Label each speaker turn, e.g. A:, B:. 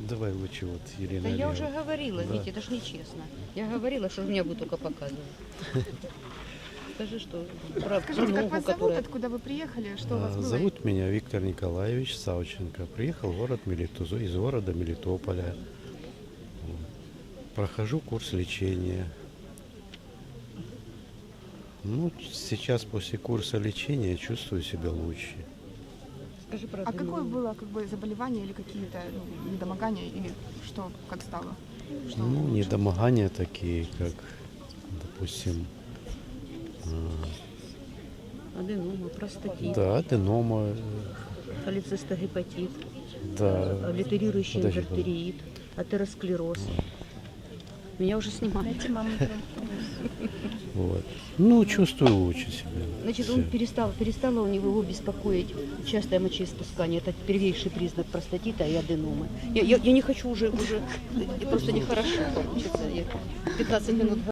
A: Давай лучше вот Елена
B: Да я уже
A: Олеговна.
B: говорила,
A: Да.
B: Витя, это ж нечестно. Я говорила, что меня будут только показывать. Скажи, что про
C: Скажите, как
B: ногу,
C: вас зовут,
B: которая...
C: откуда вы приехали, что у вас было?
A: Зовут меня Виктор Николаевич Савченко. Приехал в город из города Мелитополя. Прохожу курс лечения. Ну, сейчас после курса лечения чувствую себя лучше.
B: Скажи про
C: А какое
B: ногу.
C: было заболевание или какие-то недомогания, или что, как стало? Что
A: Ну,
C: лучше?
A: недомогания такие, как, допустим,
B: Аденома, простатит,
A: да, аденома,
B: холецистогепатит,
A: да,
B: аллитерирующий
A: Подожди,
B: инвертериит, атеросклероз. Меня уже снимают.
A: вот. Ну, чувствую лучше себя.
B: Значит,
A: Всё.
B: он перестало у него его беспокоить частое мочеиспускание. Это первейший признак простатита и аденомы. Я не хочу уже просто нехорошо получится. Я 15 минут